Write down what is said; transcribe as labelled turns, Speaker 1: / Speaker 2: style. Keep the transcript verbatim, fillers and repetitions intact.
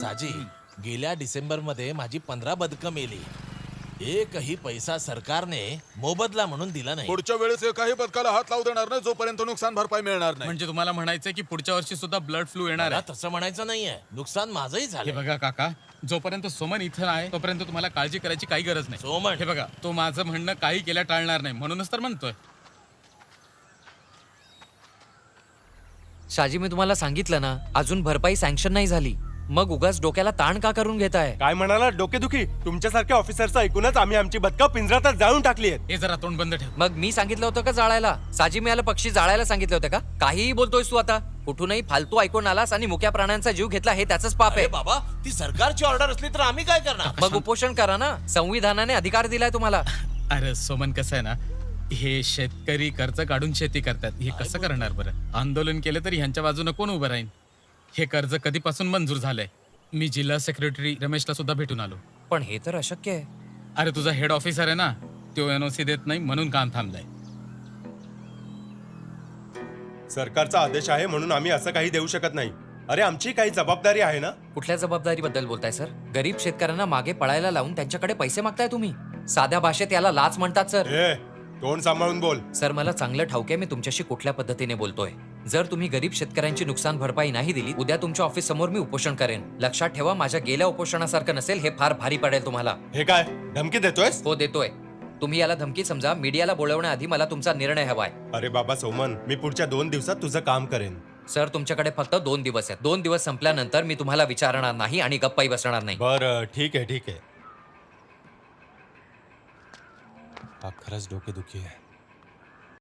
Speaker 1: साजी, गेल्या डिसेंबर मध्ये माझी पंधरा बदकं मेली. एकही पैसा सरकारने मोबदला म्हणून दिला नाही.
Speaker 2: पुढच्या वेळेस एकाही पथकाला हात लावू देणार नाही जोपर्यंत नुकसान भरपाई मिळणार नाही.
Speaker 3: म्हणजे तुम्हाला म्हणायचंय की पुढच्या वर्षी सुद्धा ब्लड फ्लू येणार
Speaker 1: मला
Speaker 3: आहे?
Speaker 1: तसं म्हणायचं नाहीये, नुकसान माझंही
Speaker 3: हे
Speaker 1: झालं.
Speaker 3: बघा काका, जोपर्यंत सोमन इथं आहे तोपर्यंत तुम्हाला काळजी करायची काही गरज नाही.
Speaker 1: सोमन
Speaker 3: हे बघा, तो माझं म्हणणं काही केल्या टाळणार नाही, म्हणूनच तर म्हणतोय.
Speaker 4: शाजी, मी तुम्हाला सांगितलं ना, अजून भरपाई सँक्शन नाही झाली. मग उगाच डोक्याला ताण का करून घेताय?
Speaker 5: काय म्हणाला डोकेदुखी? तुमच्यासारख्या ऑफिसरचं ऐकूनच आम्ही आमची बदका पिंजरातच जाळून टाकली आहेत.
Speaker 3: हे जरा तोंड बंद ठेव.
Speaker 4: मग मी सांगितलं होतं का जाळायला? साजी, मी याला पक्षी जाळायला सांगितलं होतं का? काहीही बोलतोयस तू आता. कुठूनही फालतू ऐकून आलास आणि मुक्या प्राण्यांचा जीव घेतला, हे त्याचंच पाप
Speaker 1: अरे
Speaker 4: आहे.
Speaker 1: बाबा, ती सरकारची ऑर्डर असली तर आम्ही काय करणार?
Speaker 4: मग उपोषण करा ना, संविधानाने अधिकार दिलाय तुम्हाला.
Speaker 3: अरे सोमन, कसं आहे ना, हे शेतकरी कर्ज काढून शेती करतात, हे कसं करणार बरं? आंदोलन केलं तरी ह्यांच्या बाजूने कोण उभं राहील? हे कर्ज कधीपासून मंजूर झालंय? मी जिल्हा सेक्रेटरी रमेशला सुद्धा भेटून आलो.
Speaker 4: पण हे तर अशक्य आहे.
Speaker 3: अरे तुझा हेड ऑफिसर आहे ना, तो एनओसी देत नाही म्हणून काम थांबलंय.
Speaker 5: सरकारचा आदेश आहे म्हणून आम्ही असं काही देऊ शकत नाही. अरे आमची काही जबाबदारी आहे ना.
Speaker 4: कुठल्या जबाबदारीबद्दल बोलताय सर? गरीब शेतकऱ्यांना मागे पळायला लावून त्यांच्याकडे पैसे मागताय तुम्ही. साध्या भाषेत याला लाच म्हणतात सर.
Speaker 5: ए, तोंड सांभाळून बोल.
Speaker 4: सर, मला चांगलं ठाऊक आहे मी तुमच्याशी कुठल्या पद्धतीने बोलतोय. जर तुम्ही गरीब शेतकऱ्यांची नुकसान भरपाई नाही दिली, उद्या तुमच्या ऑफिस समोर मी उपोषण करेन. लक्षात ठेवा, माझ्या गेल्या उपोषणासारखं नसेल. हे फार भारी पडेल तुम्हाला.
Speaker 5: हे काय धमकी देतोयस?
Speaker 4: हो, देतोय. तुम्ही याला धमकी समजा. मीडियाला बोलवण्याआधी मला तुमचा निर्णय हवाय.
Speaker 5: अरे बाबा सोमन, मी पुढच्या दोन दिवसात तुझं काम करेन.
Speaker 4: सर, तुमच्याकडे फक्त दोन दिवस आहेत. दोन दिवस संपल्यानंतर मी तुम्हाला विचारणार नाही आणि गप्पाही बसणार नाही.
Speaker 5: बरं, ठीक आहे ठीक आहे. हा खरंच डोकेदुखी आहे.